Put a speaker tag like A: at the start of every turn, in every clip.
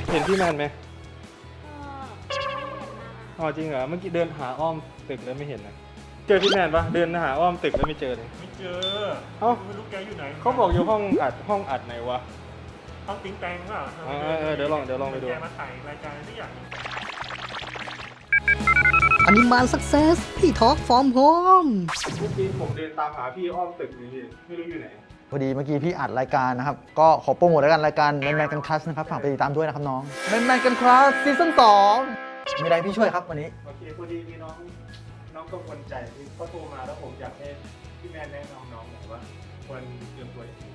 A: เห็นพี่แมนไหม
B: ก็ไม่เห็นหน้า
A: อ๋อจริงเหรอเมื่อกี้เดินหาอ้อมตึกแล้วไม่เห็นนะเจอพี่แมนปะเดินหาอ้อมตึกแล้วไม่เจอเลย
C: ไม่เจอ
A: เอ้า
C: ไม่รู้แกอยู่ไหน
A: เขาบอกอยู่ห้องอัดไหนวะ
C: ห้องติ้งแตงเปล่า
A: เดี๋ยวลองไปดู
C: แกมาถ่ายรายการทุกอย่าง
D: อนิมานสักเซสพี่ทอล์กฟอร์มโฮม
A: เมื่อกี้ผมเดินตามหาพี่อ้อมตึกนี่ไม่รู้อยู่ไหน
D: พอดีเมื่อกี้พี่อัดรายการนะครับ ก็ขอโปรโมทแล้วกันรายการแมนแมนกันคลาสนะครับฝากไปติดตามด้วยนะครับน้องแมนแมนกันคลาสซีซั่น2มีอะไรพี่ช่วยครับวันนี้
A: โอเคพอดีมีน้องกังวลใจที่เขาโทรมาแล้วผมอยากให้พี่แมนแนะนำน้องหน่อยว่าควรเตรียมตัวยังไง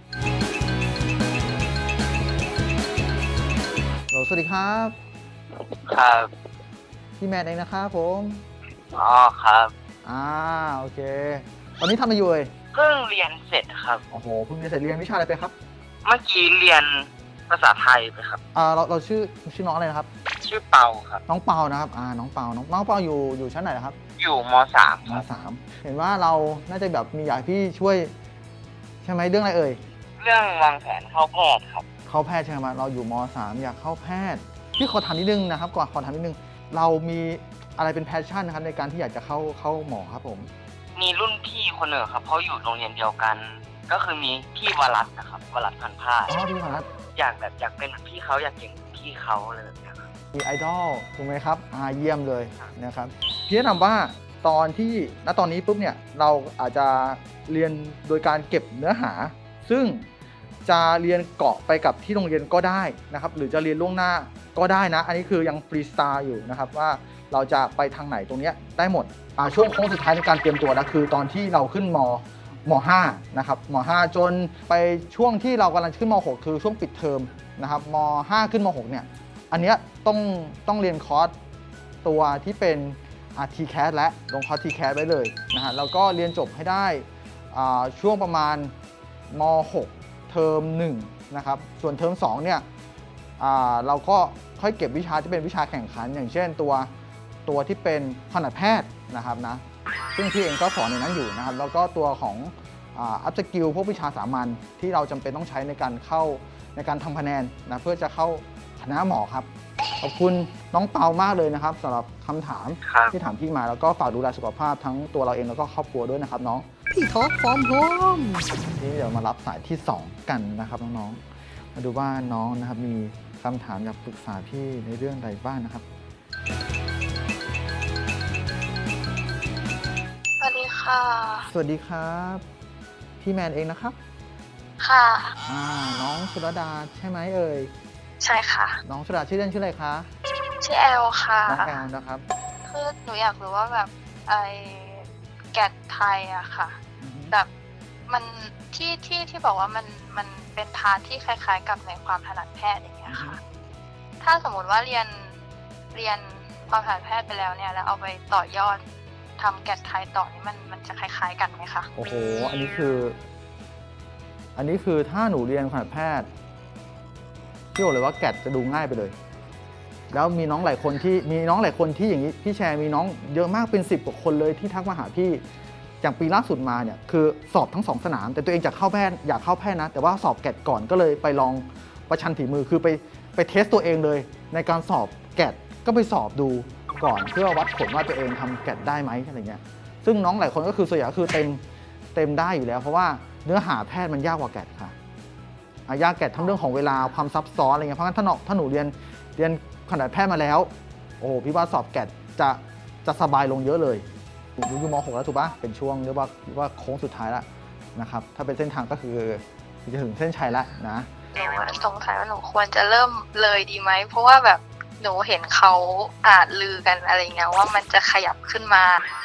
D: สวัสดีครับ
E: ครับ
D: พี่แมนเองนะครับผม
E: อ๋อครับ
D: โอเค ตอนนี้ทำอะไรอยู่เอ่ย
E: เพิ่งเรียนเสร็จครับ
D: โอ้โหเพิ่งเรียนวิชาอะไรไปครับ
E: เมื่อกี้เรียนภาษาไทยไปครับ
D: เราชื่อน้องอะไรนะครับ
E: ชื่อเปาครับ
D: น้องเปานะครับน้องเปาอยู่ชั้นไหนนะครับ
E: อยู่ม .3
D: ม
E: ครับ
D: 3เห็นว่าเราน่าจะแบบมีอยากให้พี่ช่วยใช่ไหมเรื่องอะไรเอ่ย
E: เรื่องวางแผนเข้าแพทย์ครับ
D: เข้าแพทย์ใช่ไหมเราอยู่ม 3 อยากเข้าแพทย์พี่ขอถามนิดนึงนะครับก่อนขอถามนิดนึงเรามีอะไรเป็นแพชชั่นนะครับในการที่อยากจะเข้าหมอครับผม
E: มีรุ่นพี่คนหนึ่งครับเขาอยู่โรงเรียนเดียวกัน ก็คือมีพี่วรัตน์นะครับวรัตน์พันธุ์ผ้า
D: อ๋อพี่พนัท
E: อยากเป็นเหมือนพี่เขาอยากเก่งเหมือนพี่เขาอะไรแบบเนี้ยครับ
D: มีไอดอลถูกไหมครับเยี่ยมเลยนะครับพี่แนะนำว่าตอนนี้ปุ๊บเนี่ยเราอาจจะเรียนโดยการเก็บเนื้อหา ซึ่งจะเรียนเกาะไปกับที่โรงเรียนก็ได้นะครับหรือจะเรียนล่วงหน้าก็ได้นะอันนี้คือยังฟรีสไตล์อยู่นะครับว่าเราจะไปทางไหนตรงเนี้ยได้หมดช่วงโค้งสุดท้ายในการเตรียมตัวนะคือตอนที่เราขึ้นม.5 นะครับม.5 จนไปช่วงที่เรากำลังขึ้นม.6 คือช่วงปิดเทอมนะครับม.5 ขึ้นม.6 เนี่ยอันเนี้ยต้องเรียนคอร์สตัวที่เป็นTCAS และลงคอร์ส TCAS ไว้เลยนะฮะแล้วก็เรียนจบให้ได้ช่วงประมาณม.6 เทอม1นะครับส่วนเทอม2เนี่ยเราก็ค่อยเก็บวิชาที่เป็นวิชาแข่งขันอย่างเช่นตัวที่เป็นคณะแพทย์นะครับนะซึ่งพี่เองก็สอนในนั้นอยู่นะครับแล้วก็ตัวของอัพสกิลพวกวิชาสามัญที่เราจำเป็นต้องใช้ในการทำคะแนนนะเพื่อจะเข้าคณะหมอครับขอบคุณน้องเปามากเลยนะครับสำหรับคำถาม
E: ครับ
D: ที่ถามพี่มาแล้วก็ฝากดูแลสุขภาพทั้งตัวเราเองแล้วก็ครอบครัวด้วยนะครับน้องพี่ทอล์กฟอร์มโฮมนี่เดี๋ยวมารับสายที่ 2 กันนะครับน้องๆมาดูว่าน้องนะครับมีคำถามอยากปรึกษาพี่ในเรื่องใดบ้างนะครับ
B: สวัสดีค่ะ
D: สวัสดีครับพี่แมนเองนะครับ
B: ค่ะ
D: น้องชุรดาใช่ไหมเอ่ย
B: ใช่ค่ะ
D: น้องชุรดาชื่อเล่นชื่ออะไรคะ
B: ชื่อแอลค่ะ
D: น้องแอลนะครับ
B: คือหนูอยากรู้ว่าแบบไอแกดไทยอะค่ะ
D: อือฮึ
B: แบบมันที่บอกว่ามันเป็นพาร์ทที่คล้ายๆ กับในความถนัดแพทย์อย่างเงี้ยค่ะ ถ้าสมมุติว่าเรียนความถนัดแพทย์ไปแล้วเนี่ยแล้วเอาไปต่อยอดทำแกดไทยต่อนี่มันจะคล้ายๆกันไหมคะ
D: โอ้โหอันนี้คือถ้าหนูเรียนคณะแพทย์พี่บอกเลยว่าแกดจะดูง่ายไปเลย แล้วมีน้องหลายคนที่อย่างนี้พี่แชร์มีน้องเยอะมากเป็น10 กว่าคนเลยที่ทักมาหาพี่อย่างปีล่าสุดมาเนี่ยคือสอบทั้ง2 สนามแต่ตัวเองอยากเข้าแพทย์นะแต่ว่าสอบแกดก่อนก็เลยไปลองประชันฝีมือคือไปเทสตัวเองเลยในการสอบแกดก็ไปสอบดูก่อนเพื่อวัดผลว่าตัวเองทำแกดได้ไหมอะไรเงี้ยซึ่งน้องหลายคนก็คือส่วนใหญ่ก็คือเต็มได้อยู่แล้วเพราะว่าเนื้อหาแพทย์มันยากกว่าแกดค่ะยากแกดทั้งเรื่องของเวลาความซับซ้อนอะไรเงี้ยเพราะงั้นถ้าหนูเรียนคณะแพทย์มาแล้วโอ้พี่ว่าสอบแกดจะสบายลงเยอะเลยอยู่ม .6 แล้วถูกปะเป็นช่วงเรียกว่าโค้งสุดท้ายแล้วนะครับถ้าเป็นเส้นทางก็คือจะถึงเส้นชัยแล้วนะ
B: หนูสงสัยว่าหนูควรจะเริ่มเลยดีไหมเพราะว่าแบบหนูเห็นเขาลือกันอะไรเงี้ยว่ามันจะขยับขึ้นมา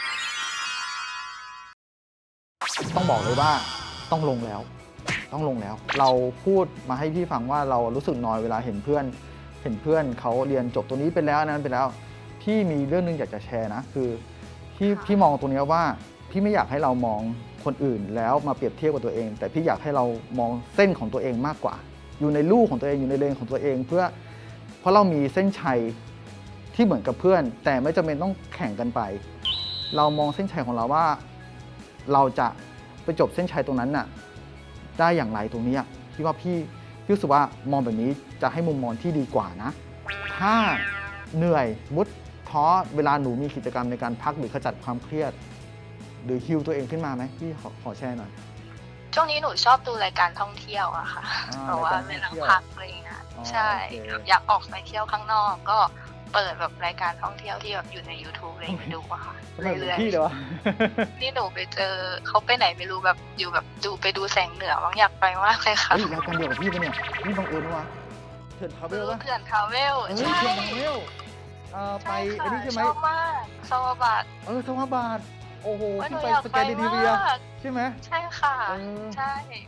D: ต้องบอกเลยว่าต้องลงแล้ว เราพูดมาให้พี่ฟังว่าเรารู้สึกน้อยเวลาเห็นเพื่อนเขาเรียนจบตัวนี้ไปแล้วนั้นไปแล้วพี่มีเรื่องนึงอยากจะแชร์นะคือพี่มองตรงนี้ว่าพี่ไม่อยากให้เรามองคนอื่นแล้วมาเปรียบเทียบกับตัวเอง แต่พี่อยากให้เรามองเส้นของตัวเองมากกว่า อยู่ในลู่ของตัวเองอยู่ในเลนของตัวเองเพราะเรามีเส้นชัยที่เหมือนกับเพื่อน แต่ไม่จำเป็นต้องแข่งกันไป เรามองเส้นชัยของเราว่าเราจะไปจบเส้นชัยตรงนั้นน่ะได้อย่างไรตรงนี้พี่ว่าพี่พี่รู้สึกว่ามองแบบนี้จะให้มุมมองที่ดีกว่านะ ถ้าเหนื่อยมุดท้อเวลาหนูมีกิจกรรมในการพักหรือขจัดความเครียด หรือฮิลตัวเองขึ้นมาไหมพี่ขอแชร์หน่อย
B: ช่วงนี้หนูชอบดูรายการท่องเที่ยวอะค่ะ เพราะว่าเวลาพักอะไรอย่างเงี้ย
D: อ๋อ
B: ใช่
D: โอเค
B: แบบอยากออกไปเที่ยวข้างนอก ก็เปิดแบบรายการท่องเที่ยวที่แบบอยู่ใน YouTube อะไรอย่างเงี้ยดูอะค่ะ
D: ทำไมเหมือน
B: เรื่อย
D: พี่เลยวะ
B: ๆนี่หนูไปเจอเขาไปไหนไม่รู้แบบอยู่แบบไปดูแสงเหนือบางอยากไปมากเลยค่ะ
D: เฮ้ยรายการเดียวกับพี่ปะเนี่ยพี่บังเอิญวะเถิดทาวเวลปะ
B: เขื่อนทาวเวล
D: เฮ้ย
B: ใช่
D: เถิดทาวเวลไปอันนี้ใช่ไหม
B: ชอบมากซาวาบาด
D: สวัสบาทโอ้โห
B: ว่าหนู
D: พี่ไป
B: อยาก
D: ส
B: ไป
D: แกนดิเนเวีย
B: มาก
D: ใช่ไหม
B: ใช่ค่ะ
D: เออ
B: ใช่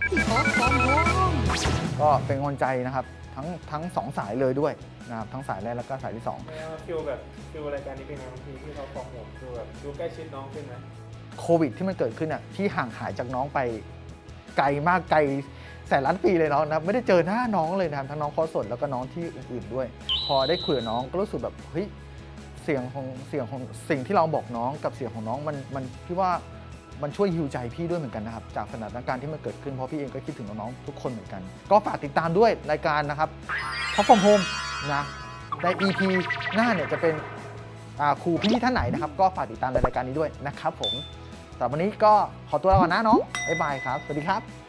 D: ก็เป็นกำลังใจนะครับทั้งสองสายเลยด้วยนะครับทั้งสายแรกแล้วก็สายที่สอง
A: ฟิลรายการนี้เป็นไงบางทีที่เขาฟ้องผมคือแบบดูใกล้ชิดน้องขึ้นไหม
D: โควิดที่มันเกิดขึ้นอ่ะที่ห่างหายจากน้องไปไกลมากไกลแสนล้านปีเลยน้องนะครับไม่ได้เจอหน้าน้องเลยนะครับทั้งน้องคอสดแล้วก็น้องที่อื่นๆด้วย พอได้คุยกับน้องก็รู้สึกแบบเฮ้ยเสียงของสิ่งที่เราบอกน้องกับเสียงของน้องมันพี่ว่ามันช่วยฮิวใจพี่ด้วยเหมือนกันนะครับจากสถานการณ์ที่มันเกิดขึ้นเพราะพี่เองก็คิดถึงน้องๆทุกคนเหมือนกัน ก็ฝากติดตามด้วยรายการนะครับ Top from Home นะใน EP หน้าเนี่ยจะเป็นครูพี่ท่านไหนนะครับก็ฝากติดตามในรายการนี้ด้วยนะครับผมสำหรับวันนี้ก็ขอตัวลาก่อนนะน้องบ๊ายบายครับสวัสดีครับ